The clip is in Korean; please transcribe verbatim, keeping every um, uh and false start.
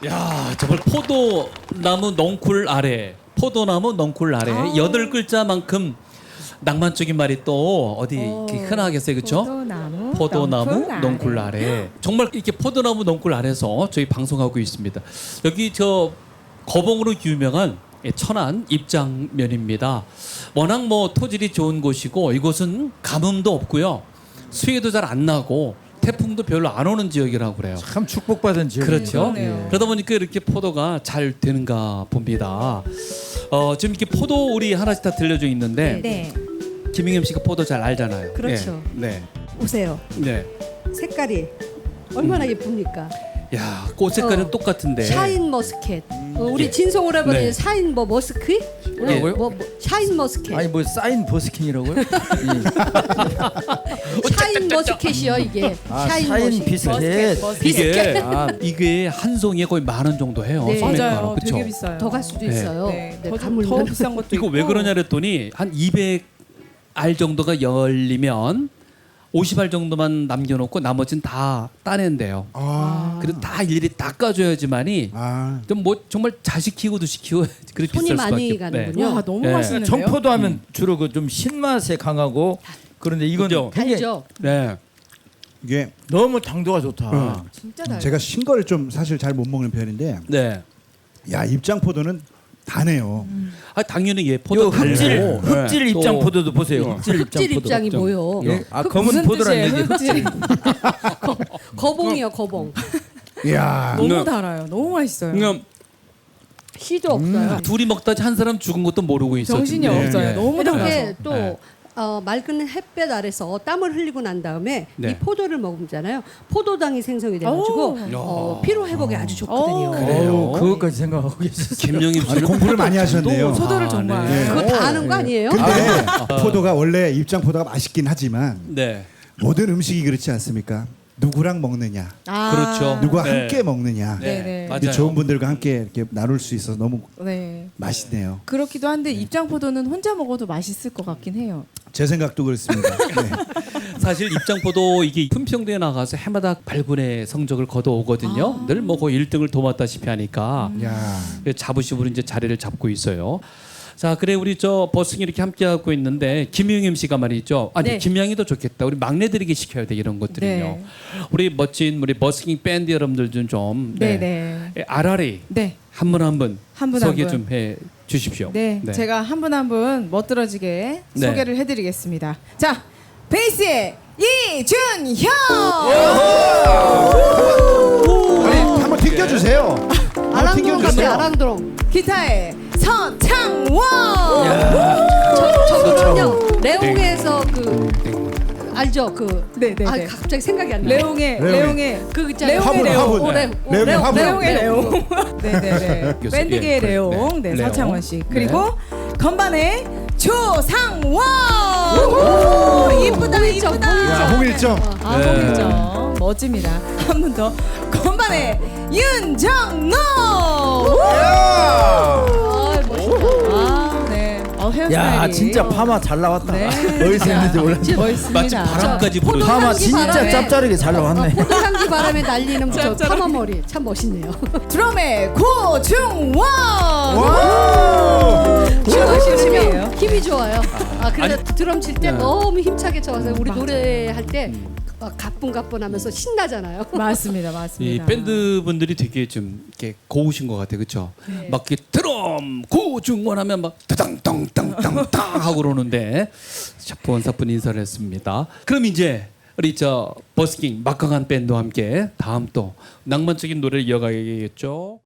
야, 정말 포도나무 넝쿨 아래, 포도나무 넝쿨 아래 아. 여덟 글자만큼 낭만적인 말이 또 어디 이렇게 흔하겠어요, 그렇죠? 포도나무, 포도나무 넝쿨 넝쿨 아래. 정말 이렇게 포도나무 넝쿨 아래서 저희 방송하고 있습니다. 여기 저 거봉으로 유명한 천안 입장면입니다. 워낙 뭐 토질이 좋은 곳이고 이곳은 가뭄도 없고요, 수해도 잘 안 나고 태풍도 별로 안 오는 지역이라고 그래요. 참 축복받은 지역. 그렇죠. 그러네요. 그러다 보니까 이렇게 포도가 잘 되는가 봅니다. 어, 지금 이렇게 포도 우리 하나씩 다 들려져 있는데 네. 김ingem 씨가 포도 잘 알잖아요. 그렇죠. 예. 네. 보세요. 네. 색깔이 얼마나 예쁩니까? 야, 꽃 색깔은 어. 똑같은데. 샤인 머스켓. 어, 우리 예. 진성으로 해보니 네. 샤인 뭐 머스크? 예. 뭐, 뭐, 뭐, 샤인 머스켓. 아니 뭐 사인 버스킹이라고요? 예. 샤인 머스켓이요 이게. 아, 샤인 사인 머스켓. 비스켓. 이게 아, 이게 한 송이에 거의 만 원 정도 해요. 네. 소매가로. 맞아요. 그쵸? 되게 비싸요. 더 갈 수도 네. 있어요. 네. 네, 더, 가물면. 더 비싼 것도 이거 있고. 왜 그러냐 그랬더니 한 이백 알 정도가 열리면 오십 알 정도만 남겨놓고 나머지는 다 따낸대요. 아, 그래도 다 일일이 닦아줘야지만이 아, 좀 뭐 정말 자식 키우고도 시키고 그렇게 손이 비쌀 많이 수밖에. 가는군요. 와 너무 네. 맛있는데요. 청포도 하면 주로 그 좀 신맛에 강하고 그런데 이건 그죠? 굉장히 달죠. 네. 이게 너무 당도가 좋다. 진짜 달. 제가 신 거를 좀 사실 잘 못 먹는 편인데, 네. 야 입장포도는 다네요. 아 당연히 예 요 포도 흑질 달고. 흑질 네. 입장 또 포도도 보세요. 어. 흑질 입장 흑질 포도. 입장이 뭐요? 예. 아 그 검은 무슨 포도란 뜻이에요? 얘기. 흑질. 거봉이요 거봉. 이야, 너무 네. 달아요. 너무 맛있어요. 그러니까 씨도 없어요. 둘이 먹다 한 사람 죽은 것도 모르고 있었는데. 정신이 네. 없어요. 네. 너무 달아서. 이렇게 또 네. 어, 맑은 햇볕 아래서 땀을 흘리고 난 다음에 네. 이 포도를 먹잖아요. 포도당이 생성이 돼가지고 오. 어, 피로 회복에 아주 좋거든요. 오. 그래요? 어우, 그것까지 생각하고 계셨어요. 김영임 아니, 씨는 공부를 많이 하셨네요. 소도를 아, 정말. 네. 그거 다 아는 거 아니에요? 근데 포도가 원래 입장포도가 맛있긴 하지만 네. 모든 음식이 그렇지 않습니까? 누구랑 먹느냐, 아. 그렇죠. 누가 네. 함께 먹느냐. 네. 네. 맞아요. 좋은 분들과 함께 이렇게 나눌 수 있어서 너무 네. 맛있네요. 그렇기도 한데 입장포도는 혼자 먹어도 맛있을 것 같긴 해요. 제 생각도 그렇습니다. 네. 사실 입장포도 이게 품평대에 나가서 해마다 발군의 성적을 거둬오거든요. 아. 늘 뭐 거의 일 등을 도맡다시피 하니까 야, 자부심으로 이제 자리를 잡고 있어요. 자, 그래 우리 저 버스킹 이렇게 함께 하고 있는데 김ingem 씨가 말이죠. 아니 네. 김양이도 좋겠다. 우리 막내들에게 시켜야 돼 이런 것들은요. 네. 우리 멋진 우리 버스킹 밴드 여러분들 좀 좀 네, 네. 예, 아라리 네. 한 분 한 분 한 분 한 소개 분. 좀 해 주십시오. 네, 제가 한 분 한 분 멋들어지게 네. 소개를 해드리겠습니다. 자, 베이스의 이준형. 아니 한번 튕겨주세요. 한번 아랑드롱 같아요. 튕겨주세요. 아랑드롱. 기타의 서창원. 저, 저분은요 레옹에서 그 알죠? 그 네, 네, 아, 네. 갑자기 생각이 안 나요. 레옹의 레옹의. 레옹의 그 있잖아요. 레옹의 화분, 레옹. 화분. 오, 레- 오, 레옹의 레옹, 화분. 레옹의 레옹. 네네네. 교수, 밴드계의 예, 그래, 레옹. 네. 네, 레옹. 서창원 씨. 네. 그리고 건반의 조상원. 이쁘다 홍일점, 이쁘다. 야, 홍일점. 아, 네. 홍일점. 멋집니다. 한 분 더. 건반의 윤정노. 아, 멋있다. 아, 네. 어, 헤어스타일이. 야 진짜 파마 잘 나왔다. 네. 어디서 했는지 몰라. 마치 멋있습니다. 바람까지 포도 부르는. 파마 향기 진짜 바람에. 짭짤하게 잘 나왔네. 포도향기 바람에 날리는 저 짭짤하게. 파마 머리 참 멋있네요. 드럼의 고중원. 춤을 힘이에요. 추시면 힘이 좋아요. 아 그래서 드럼 칠 때 네. 너무 힘차게 쳐서 우리 맞아요. 노래할 때 막 가뿐가뿐하면서 신나잖아요. 맞습니다, 이 맞습니다. 밴드 분들이 되게 좀 이렇게 고우신 것 같아요, 그렇죠? 네. 막 이렇게 드럼 고중원하면 막 따당땅땅땅땅 하고 그러는데 사뿐사뿐 인사를 했습니다. 그럼 이제 우리 저 버스킹 막강한 밴드와 함께 다음 또 낭만적인 노래를 이어가야겠죠.